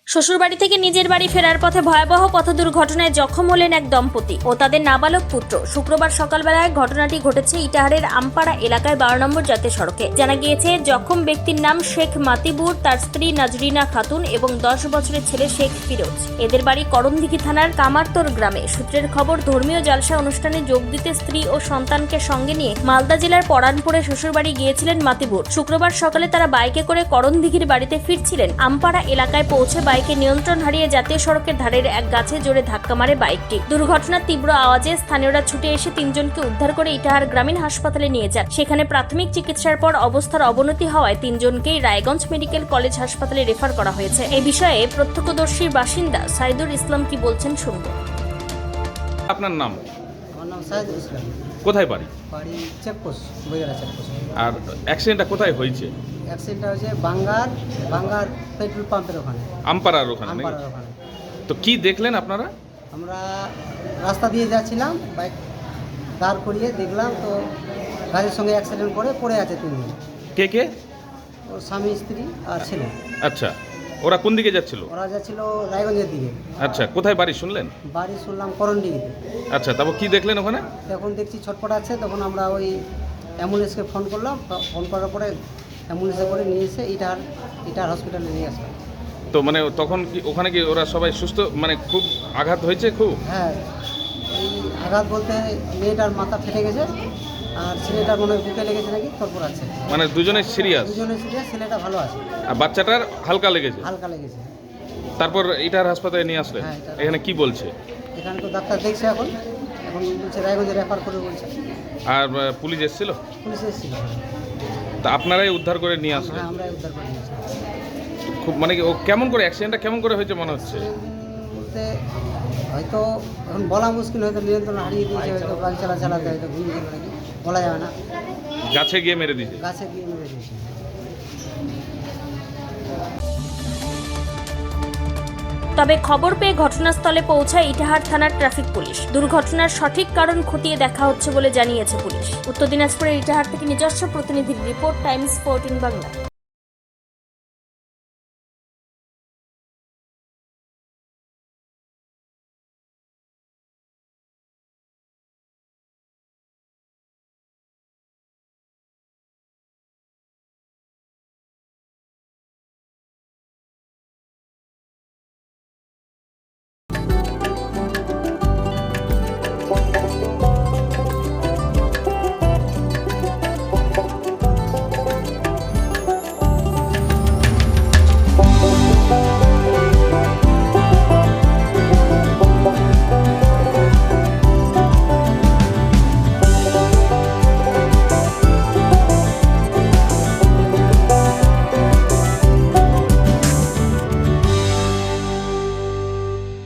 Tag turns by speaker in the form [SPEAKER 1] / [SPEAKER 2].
[SPEAKER 1] শ্বশুরবাড়ি থেকে নিজের বাড়ি ফেরার পথে ভয়াবহ পথ দুর্ঘটনায় জখম হলেন এক দম্পতি ও তাদের নাবালক পুত্র। শুক্রবার সকালবেলায় ঘটনাটি ঘটেছে ইটাহারের আমপাড়া এলাকায় 12 নম্বর জাতীয় সড়কে। জানা গিয়েছে জখম ব্যক্তির নাম শেখ মাতিবুর, তার স্ত্রী নাজরিনা খাতুন এবং 10 বছরের ছেলে শেখ ফিরোজ। এদের বাড়ি করণদিঘি থানার কামারতোর গ্রামে। সূত্রের খবর, ধর্মীয় জালসা অনুষ্ঠানে যোগ দিতে স্ত্রী ও সন্তানকে সঙ্গে নিয়ে মালদা জেলার পরানপুরে শ্বশুরবাড়ি গিয়েছিলেন মাতিবুর। শুক্রবার সকালে তারা বাইকে করে করণদিঘির বাড়িতে ফিরছিলেন। আমপাড়া এলাকায় পৌঁছে বাইকে নিয়ন্ত্রণ হারিয়ে জাতীয় সড়কের ধারের এক গাছে জোরে ধাক্কা মারে বাইকটি। দুর্ঘটনার তীব্র আওয়াজে স্থানীয়রা ছুটে এসে তিনজনকে উদ্ধার করে ইটাহার গ্রামীণ হাসপাতালে নিয়ে যান। সেখানে প্রাথমিক চিকিৎসার পর অবস্থার অবনতি হওয়ায় তিনজনকেই রায়গঞ্জ মেডিকেল কলেজ হাসপাতালে রেফার করা হয়েছে। এই বিষয়ে প্রত্যক্ষদর্শীর বাসিন্দা সাইদুল ইসলাম কি বলছেন শুনব।
[SPEAKER 2] আপনার নাম?
[SPEAKER 3] আমার নাম সাইদুল ইসলাম।
[SPEAKER 2] কোথায় বাড়ি?
[SPEAKER 3] বাড়ি চেকপোস্ট, বইয়েরা চেকপোস্ট।
[SPEAKER 2] আর অ্যাক্সিডেন্টটা কোথায় হয়েছে?
[SPEAKER 3] অ্যাক্সিডেন্টটা হয়েছে বাঙ্গার পেট্রোল পাম্পের ওখানে,
[SPEAKER 2] আমপাড়ার ওখানে নাকি?
[SPEAKER 3] আমপাড়ার ওখানে।
[SPEAKER 2] তো কি দেখলেন আপনারা?
[SPEAKER 3] আমরা রাস্তা দিয়ে যাচ্ছিলাম, বাইক দাঁড় করিয়ে দেখলাম তো গাড়ির সঙ্গে অ্যাক্সিডেন্ট করে পড়ে আছে তিনজন।
[SPEAKER 2] কে কে?
[SPEAKER 3] ওর স্বামী, স্ত্রী আর ছেলে।
[SPEAKER 2] আচ্ছা, ওরা কোন দিকে যাচ্ছিল?
[SPEAKER 3] ওরা যাচ্ছিল রায়গঞ্জের দিকে।
[SPEAKER 2] আচ্ছা, কোথায় বাড়ি শুনলেন?
[SPEAKER 3] বাড়ি শুনলাম করণডিঘিতে।
[SPEAKER 2] আচ্ছা, তারপর কি দেখলেন ওখানে?
[SPEAKER 3] তখন দেখছি ছটপট আছে, তখন আমরা ওই অ্যাম্বুলেন্সকে ফোন করলাম। ফোন করার পরে অ্যাম্বুলেন্সে করে নিয়ে এসে ইটার হসপিটালে নিয়ে আসলাম।
[SPEAKER 2] তো মানে তখন কি ওখানে কি ওরা সবাই সুস্থ, মানে খুব আঘাত হয়েছে খুব?
[SPEAKER 3] হ্যাঁ, এই আঘাত বলতে মেয়েটার মাথা ফেটে গেছে আর ছেলেটার মনে হয় বুকে লেগেছে নাকি, তারপর আছে।
[SPEAKER 2] মানে দুজনে সিরিয়াস?
[SPEAKER 3] দুজনে সিরিয়াস, ছেলেটা ভালো আছে,
[SPEAKER 2] আর বাচ্চাটার হালকা লেগেছে?
[SPEAKER 3] হালকা লেগেছে।
[SPEAKER 2] তারপর এটার হাসপাতালে নিয়ে আসলেন?
[SPEAKER 3] হ্যাঁ, এটার-
[SPEAKER 2] এখানে কি বলছে?
[SPEAKER 3] এখানে তো ডাক্তার দেখছে, এখন বলছে রায়গঞ্জে রেফার করে বলছে।
[SPEAKER 2] আর পুলিশ এসেছিল?
[SPEAKER 3] পুলিশ এসেছিল।
[SPEAKER 2] তা আপনারাই উদ্ধার করে নিয়ে আসলেন?
[SPEAKER 3] হ্যাঁ, আমরা উদ্ধার করে নিয়েছি।
[SPEAKER 2] খুব মানে কি ও কেমন করে অ্যাক্সিডেন্টটা কেমন করে হয়েছে মনে হচ্ছে?
[SPEAKER 3] বলতে হয়তো এখন বলা মুশকিল, হয়তো নিয়ন্ত্রণ হারিয়ে দিয়েছে, হয়তো গাড়ি চালাতে হয়তো ঘুমিয়ে গেল নাকি, বলা যাবে না।
[SPEAKER 2] গাছে গিয়ে মেরে দিয়েছে?
[SPEAKER 3] গাছে গিয়ে মেরে দিয়েছে।
[SPEAKER 1] তবে খবর পেয়ে ঘটনাস্থলে পৌঁছায় ইটাহার থানার ট্রাফিক পুলিশ। দুর্ঘটনার সঠিক কারণ খতিয়ে দেখা হচ্ছে বলে জানিয়েছে পুলিশ। উত্তর দিনাজপুরের ইটাহার থেকে নিজস্ব প্রতিনিধির রিপোর্ট, টাইমস 14 বাংলা।